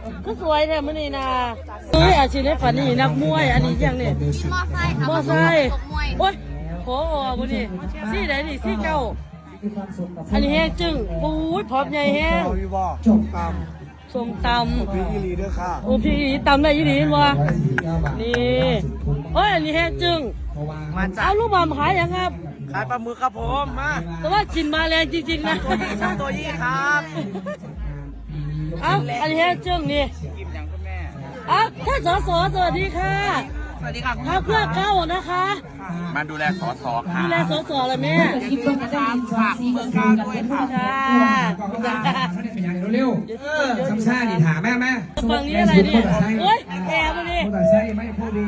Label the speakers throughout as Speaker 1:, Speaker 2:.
Speaker 1: ก็สวยเนี่ยมันนี่นะอาชีพในฝันนี่นักมวยอันนี้ยังเนี่ยมอไซค์โอ๊ยขอมันนี่ซี่ไหนนี่ซี่เก้าอันนี้แห้งจึงปูดพร้อมใหญ่แห้ง
Speaker 2: จบตาม
Speaker 1: ส้มตำ
Speaker 2: พี่อีลีด้วยค่ะ
Speaker 1: โอ้พี่อีตำได้ยี่ดีวะนี่โอ้ยอันนี้แห้งจึงเอาลูกบอลขายยังครับ
Speaker 2: ขายปลาหมึกครับผมมา
Speaker 1: แต่ว่ากินมาแรงจริงๆนะ
Speaker 2: ตัวยี่ครับ
Speaker 1: เอาอันนี้แห้งจึงนี่
Speaker 2: กินอย่างคุณแม่
Speaker 1: เอาท่านสวัสดีค่ะ
Speaker 2: สวัสดีครับ
Speaker 1: ข้าเพื่อเก้านะคะ
Speaker 3: มาดูแลสสค่ะ
Speaker 1: ดูแลสเลยแม่
Speaker 2: คิดเพื่อการฝากเมืองการด้วยค่ะ
Speaker 4: เร็วๆซ้ำซ่าดิถามแม่
Speaker 1: ฝั่งนี้อะไรเนี่ยโอ๊ยแกมาดิ
Speaker 4: ผู้ตัดใช้ไม่พูดดี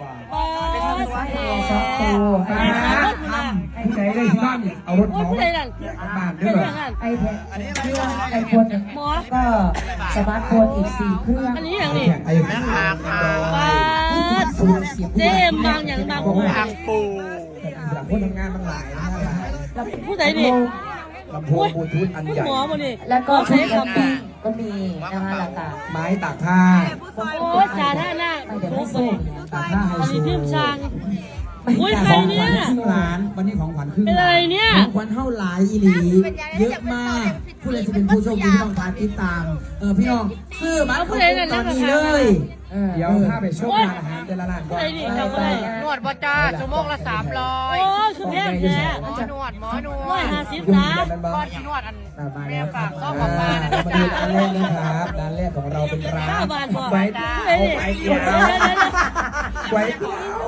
Speaker 1: สักตัว
Speaker 4: ผู้ใดได้ที่บ้านเอารถของบ้านด้วย
Speaker 5: ไอโฟน
Speaker 1: หมอ
Speaker 5: ก็สมาร์ทโฟนอีก4 เครื่อง
Speaker 1: อันนี้อย่างนี้
Speaker 2: แม่หางค่ะ
Speaker 1: เจมบางอย่างบาง
Speaker 2: หางปู
Speaker 4: หลังคนทำงานมันหลายนะ
Speaker 1: ผู้ใดดิ
Speaker 4: ลำโพงบลูทูธอันใหญ่
Speaker 1: หมอมาดิ
Speaker 5: แล้วก็ใช้คำปิ้งก็มีนะคะราคา
Speaker 4: ไม้ตากผ้า
Speaker 1: โอ้สาธารณะโอ้โห
Speaker 4: ตากผ้าไฮโซ
Speaker 1: อันนี้ทิมช่างอุ้ยใครเนี่ย
Speaker 4: ร้านวันนี้ของขวัญครึ่ง
Speaker 1: เป็นอะไรเนี่ย
Speaker 4: ของขวัญเท่าหลายอีหลีเยอะมากผู้ใดจะเป็นผู้โชคดีที่ต้องการติดตามพี่น้องซื้อมาตอนนี้เลยเดี๋ยวถ้าไปช่วงร้านอาหารเดลร้านก่อน
Speaker 2: นวดบ่จ้าชั่วโมงละ300
Speaker 1: โอ้ชุดแพงแท้
Speaker 2: หมอนวด
Speaker 1: 150นะ
Speaker 2: ก้อนนวดอันแม่ฝากก็บอกมานะ
Speaker 4: จ๊ะร้านแรกนะครับร้านแรกของเราเป็นร้าน
Speaker 1: ไว้
Speaker 4: เตี๋ยวไว้เตี๋ยว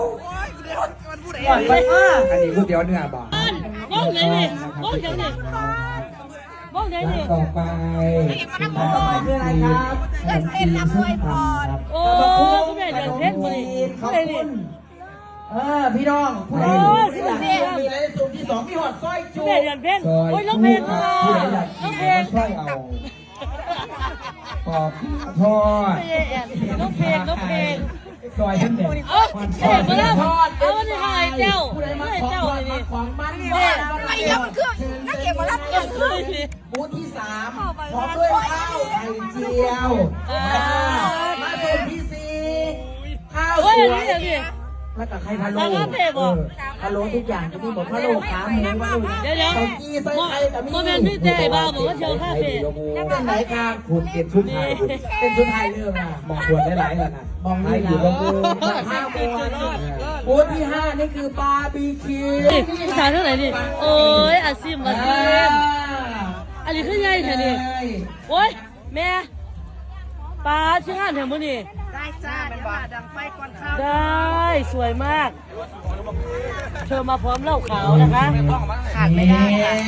Speaker 4: อันนี้ก๋วยเตี๋ยวเนื้อบ่
Speaker 1: บ้องไหนนี่บ้องไหนนี่บ้องไหนนี่
Speaker 4: ต่อไป
Speaker 5: คืออะไรครับ
Speaker 4: เป็นลำด้วยพร
Speaker 1: โอ้คุณแม่เดือดเพชรมาดิคุณเลยนี่
Speaker 4: พี่น้องผู้ใดมีอะไรสูตรที่2มีหอดสร้อยจู
Speaker 1: แม่เดือดเพชรโอ้ยน้องเพชรมาน้องเพชร
Speaker 4: สร้อยเอาปอกทอด
Speaker 1: น้องเพชร
Speaker 4: ซอยทั้งเด็ก
Speaker 1: มาแล้วเอาวันนี้ให้เจ้าให้เจ้าเลยดิ
Speaker 4: ของมัน
Speaker 2: ไม่ยอมเครื่องนักเก็บมารับเงิน
Speaker 4: บูธที่3พร้อมด้วยข้าวไข่เจียวมาบูธที่4ข้าวสวยแล้วกับไข่พะโล้พะโล้ทุกอย่างจะมีหมดพะโล้ขาหมูพะโล้
Speaker 1: เดี๋ยวโมเมนต์พี่เจ๊บ้าบอกว่าเชียวคาเฟ่
Speaker 4: เป็นไหนครับคุณเก็บชุดไทยเป็นชุดไทยเรื่องนะมองชวนได้หลายแล้วนะมองได้อยู่ก็คือบูธที่5นี่คือบาร์บีคิว
Speaker 1: ภาษาเท่าไหร่ดิโอ้ยอาซิมอันนี้คือไงแถวนี้โอ้ยแม่ปลาชื่องานแถวมือนี่
Speaker 2: ได้จ้าเป็นบาดังไฟก่อนข้าว
Speaker 1: ได้สวยมากเธอมาพร้อมเหล้าขาวนะคะ
Speaker 2: ขาดไม่ได้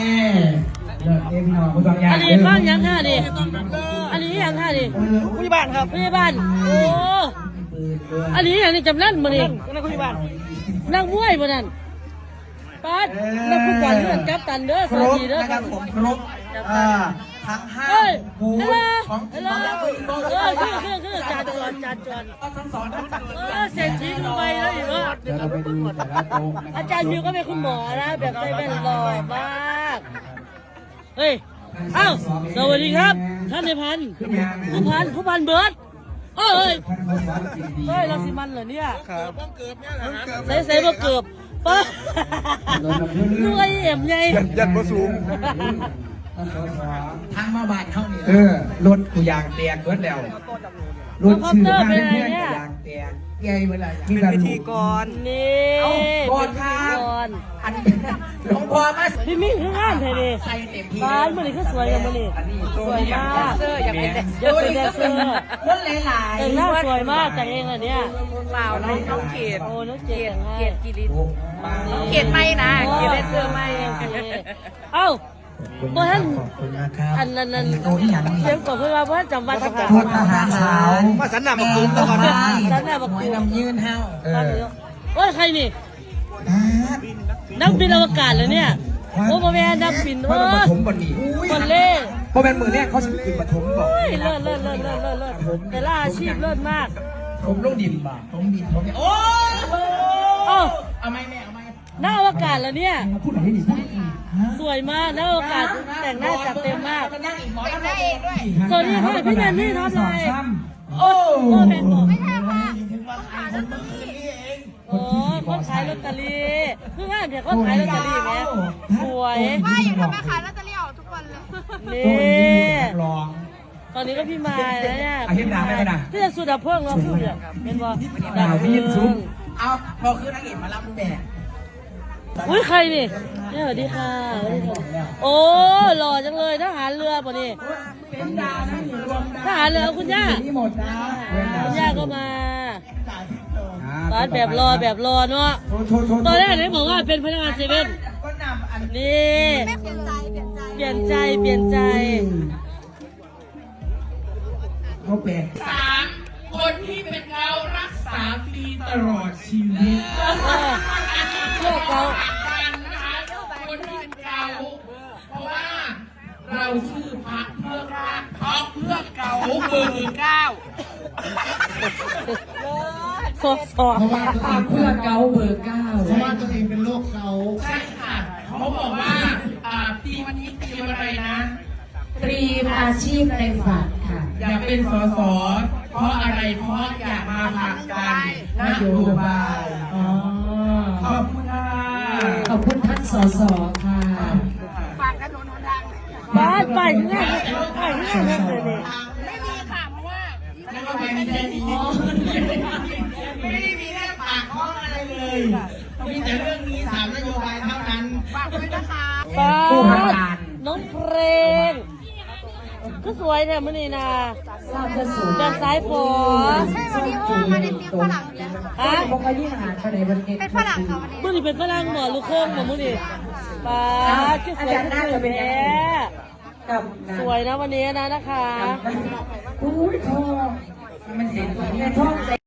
Speaker 1: อันนี้บ้านยังท่าดิอันนี้ยังท่าดิ
Speaker 2: ผู้ใหญ่บ้านครับ
Speaker 1: ผู้ใหญ่บ้านโอ้อันนี้อย่างนี้จำนั่นมาดิ
Speaker 2: นั่งผู้ใหญ่บ้าน
Speaker 1: นั่งมวยมานั่นป้านักฟุตบอลเลื่อนจับตันเด้อสวัสดีเด้อ
Speaker 4: ครับผมครบทั้ง5บูธของ
Speaker 1: คือจานจวน
Speaker 4: ทั้งสอง
Speaker 1: เศรษฐีดูไปแล้วอีกว่าอาจารย์มิวก็เป็นคุณหมอนะแบบใจเป็นหล่อมากเฮ้ยอ้าวสวัสดีครับท่านในพันผู้พันเบิร์ดเฮ้ยเราสิมันเหรอเนี่ยใส่บ่เกือบป้าด้วยเอ็มไง
Speaker 2: ยัดบ่สูง
Speaker 4: ทางมาบ้านเท่านี้รถกูยางแตกเบิดแล้วรถชื่อบ้านเพื่อนยางแตกใหญ่เมื่อไหร่
Speaker 2: เป็นพิธีกร
Speaker 1: นี่
Speaker 4: ก่อนครับอันหลวงพ่อมา
Speaker 1: พี่มิ่งข้างล่างเธอดิบ้านมันนี่คือสวยกันมันนี่สวยมาก
Speaker 2: อยากเป็นแดนเซอร์
Speaker 1: รถหลายแต่งหน้าสวยมากแต่งเองอันเนี้ย
Speaker 2: เปล่าน้องเกด
Speaker 1: โอ้น้องเกด
Speaker 2: กิริน้องเกดไม่นะเกดแดนเซอร์ไม่
Speaker 1: เอ้าเมื่อท่านอันนั้นเสียงก่อนเพื่อนว่าเพื่อนจำวัดสักการ
Speaker 4: ์ทหารขาว
Speaker 2: มาสันนำมากุ้งก่อน
Speaker 1: สันนำมากุ้ง
Speaker 4: น้ำยืนเฮา
Speaker 1: ว่าใครนี่นักบินอวกาศเลยเนี่ยโอ้โหแม่นักบิน
Speaker 4: ปฐมบดี
Speaker 1: คนเล่
Speaker 4: พอเป็นมือเนี่ยเขาจะขึ้นปฐมบอก
Speaker 1: เลิศแต่ละอาชีพเลิศมาก
Speaker 4: ผมลงดินบ่ผมดินโอ้เอาไม่แม่เอาไม่
Speaker 1: นักอวกาศแล้วเนี่ยสวยมากนักอวกาศแต่งหน้าจัดเต็มมากสวัสดีค่ะพี่แนนนี่ทำอะไร
Speaker 4: โอ้
Speaker 1: โอ้แพงบอก
Speaker 4: ถึงว่าขายคนเมื่อคืนนี่เอง
Speaker 1: โอ้คนขายลอตเตอรี่คือว่าเดี๋ยวคนขายลอตเตอรี่ไหมสวย
Speaker 2: ว่าอย่างทำมาขายลอตเตอรี่ออกทุกวันเลย
Speaker 1: นี่
Speaker 4: ลอง
Speaker 1: ตอนนี้ก็พี่มาแล้วเนี่ย
Speaker 4: อาทิตย์หน้าไม่ไปนะ
Speaker 1: ที่จะสุดาเพิ่งเราพูดอย่างเป็นว่า
Speaker 4: ดาวพี่ยินซุ้มเอาพอคือนางเอกมารับแม่
Speaker 1: อุ้ยใครนี่เนี่ยสวัสดีค่ะสวัสดีค่ะโอ้หล่อจังเลยทหารเรือป่ะนี่
Speaker 4: เป็นดาวนั่งอยู่รวม
Speaker 1: ทหารเรือคุณย่า
Speaker 4: นี่หมดนะ
Speaker 1: คุณย่าก็มาตอนแบบรอเนาะ
Speaker 4: โชว์
Speaker 1: ตอนแรกไหนบอกว่าเป็นพนักงานเซเว่น
Speaker 4: ก็นำอัน
Speaker 1: นี่
Speaker 2: เปลี่ยนใจเปลี่ยนใจ
Speaker 4: เขาแปลกคนที่เป็นเรารักษาฟรีตลอดชีวิต
Speaker 1: เลือกเขา
Speaker 4: คนที่เป็นเราเพราะว่าเราชื่อพักเพื่อรักเขาเพื่อเก่าเบอร์เก้า
Speaker 1: สดสอบ
Speaker 5: เพื่อเกาเบอร์เก้า
Speaker 4: เพราะว่าตัวเองเป็นโรคเกาใช่ค่ะเขาบอกว่าทีวันนี้ทีมอะไรนะ
Speaker 5: ตรีมอาชีพในฝันค่ะ
Speaker 4: อยากเป็นสสเพราะอะไรเพราะอยากมาผลักดันนโยบายขอบคุณค่ะ
Speaker 5: ขอบคุณท่านสสค่ะ
Speaker 2: ฝากถนนหนทาง
Speaker 1: บ้านไปที่ไหนไปที่ไหนเลยนี่
Speaker 2: ไม่มีค่ะเพราะว่า
Speaker 4: แล้วก็ไม่ได้มีไม่ได้มีแค่ปากท้องอะไรเลยมีแต่เรื่องนี้3 นโยบายเท่านั้น
Speaker 2: ฝากด้วยนะคะ
Speaker 1: บ้า
Speaker 4: ผู้ทำ
Speaker 1: น
Speaker 4: งาน
Speaker 1: น้องเพลงก็สวยแท้มื่อนี้นะ
Speaker 5: ทราบจะสูง
Speaker 1: แบบสายฝอ
Speaker 2: ใช่วันนี้เพราะว่ามาในทีมฝรั่งเนี่ย
Speaker 1: ฮะ
Speaker 5: บอกว่ายิ่งหาคะแนนวันนี้
Speaker 2: เป็นฝรั่งค่ะวันนี้
Speaker 1: มื่อนี้เป็นฝรั่งหมอลูกโค้งหมอมื่อนี้ป้าก็สวยขึ้นเลยแม่
Speaker 5: กับ
Speaker 1: สวยนะวันนี้นะคะ
Speaker 5: อุ้ยทอ
Speaker 4: มันเสียงตัวนี้
Speaker 5: แม่ทอ